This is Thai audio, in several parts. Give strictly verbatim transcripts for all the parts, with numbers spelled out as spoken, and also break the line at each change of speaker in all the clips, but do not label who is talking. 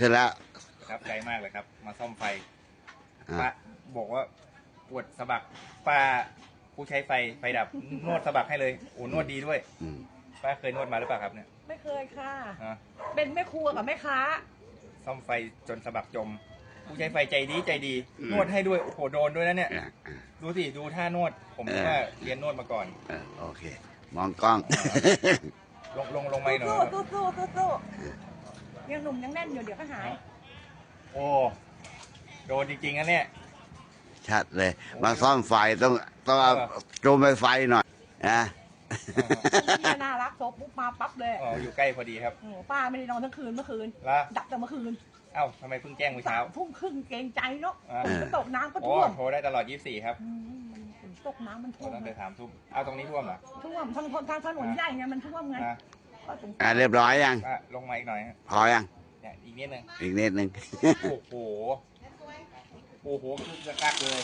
ขึ้นแล้ว
ประทับใจมากเลยครับ มาซ่อมไฟป้าบอกว่าปวดสะบักป้าผู้ใช้ไฟไฟดับนวดสะบักให้เลยโอ้นวดดีด้วยป้าเคยนวดมาหรือเปล่าครับเนี่ย
ไม่เคยค่ะเป็นแม่ครัวกับแม่ค้า
ซ่อมไฟจนสะบักจม ผู้ใช้ไฟใจดีใจดีนวดให้ด้วยโอ้โหโดนด้วยนะเนี่ยดูสิดูท่านวดผมว่าเรียนนวดมาก่อน
โอเคมองกล้อง
ลงลงลงไม่หน่อย
สู้สู้สู้สู้ยังหนุ่มยังแน่นอยู่เดี๋ยวก็หาย
โอ้โดนจริงๆนะเนี่ย
ชัดเลยมาซ่อมไฟต้องต้องเอาจูงไปไฟหน่อยนะ
พี่น่ารักโซปุ๊บมาปั๊บเลย
อ๋ออยู่ใกล้พอดีครับ
ป้าไม่ได้นอนทั้งคืนเมื่อคืนดับแต่เมื่อคืน
เอ้าทำไมเพิ่งแจ้งเมื่อเช้า
ทุ่มครึ่งเกรงใจเนาะฝนตกน้ำก็ท่วม
โทรได้ตลอดยี่สิบสี่ครับ
ฝนตกน้ำมันท่วม
ตั้งแต่ถามทุ่มเอาตรงนี้ท่วมเหรอ
ท่วมทางทางถนนใหญ่ไงมันท่วมไง
อ่าเรียบร้อยยัง
ลงมาอีกหน่อย
พอยัง
เนี่ยอีกนิดนึง
อีกนิดนึง
โอ้โหโอ้โหคือจะกักเลย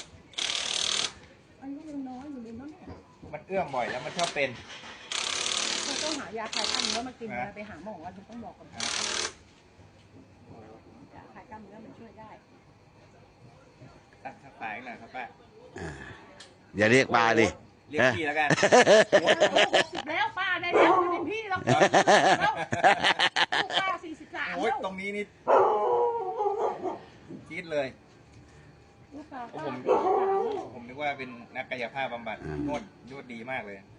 อายุยังน้อยอยู่เลยเนาะเนี่ย
มันเอื้อมบ่อยแล้วมันชอบเป็น
ต้องหายาคลายกล้ามเนื้อมากินนะไปหาหมอว่าต้องบอกก่อนยาคลายกล้ามเนื้อมันช่วยได้
ตัดสายหน่อยครับป้า
อย่าเรียกป้าดิ
เรียกพี่แล้วกัน
สิบแล้วป้าได้แล้วไม่เป็นพี่แล้วป้าสี่สิบสาม
โอ้ยตรงนี้นี่คิดเลยผมผมนึกว่าเป็นนักกายภาพบำบัดนวดนวดดีมากเลย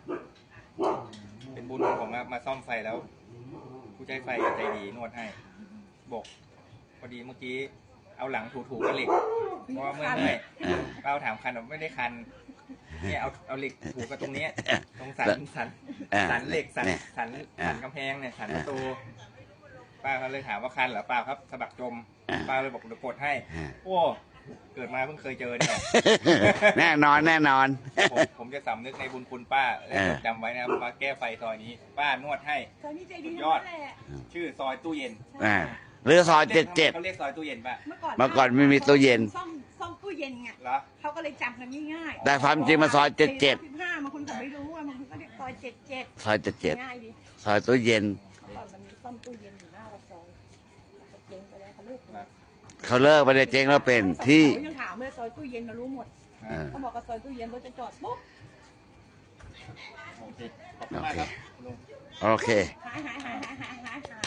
เป็นบุญของผมมาซ่อมไฟแล้วผู้ใช้ไฟใจดีนวดให้บอกพอดีเมื่อกี้เอาหลังถูๆกับเหล็กเพราะว่าเมื่อไงเราถามคันไม่ได้คันเนี่ยเอาเอาเหล็กถูกับตรงนี้ตรงสันสันสันเหล็กสันสันสันกำแพงเนี่ยสันประตูป้าเขาเลยถามว่าคันเหรอเปล่าครับสะบักจมป้าเลยบอกเดี๋ยวกดให้โอ้เกิดมาเพิ่งเคยเจอเนี่ย
แน่นอนแน่นอน
ผมผมจะสำนึกในบุญคุณป้าและจำไว้นะครับมาแก้ไฟซอยนี้ป้านวดให้
ซอยนี้ใจดี
ยอดชื่อซอยตู้เย็น
หรือซอยเจ็ดเจ็ด
เขาเรียกซอยตู้เย็นป่ะ
เมื่อก่อนไม่มีตู้เย็น
ซ่อมซ่อมตู้เย็นไงเขาก็เลยจำกันง่าย
ๆแต่ความจริงมาซอยเจ็ดเจ็ด
สิบห้าบางคนเขาไม่รู้บางคนก็เรียกซอยเจ็ดเจ็ด
ซอยเจ็ดเจ็ดซอยตู้เย็น
มันมีซ่อมตู้เย็นอยู่หน้าซอยเจ๊งไปแล้วเขาเลิก
เขาเลิกไปเลยเจ๊งแล้วเป็นที่
ยังถามเลยซอยตู้เย็นเรารู้หมดเขาบอกว่าซอยตู้เย็นรถจะจอดปุ๊บ
โอเคขอบคุณมากครับ
โอเค
หายหายหายหายหายหาย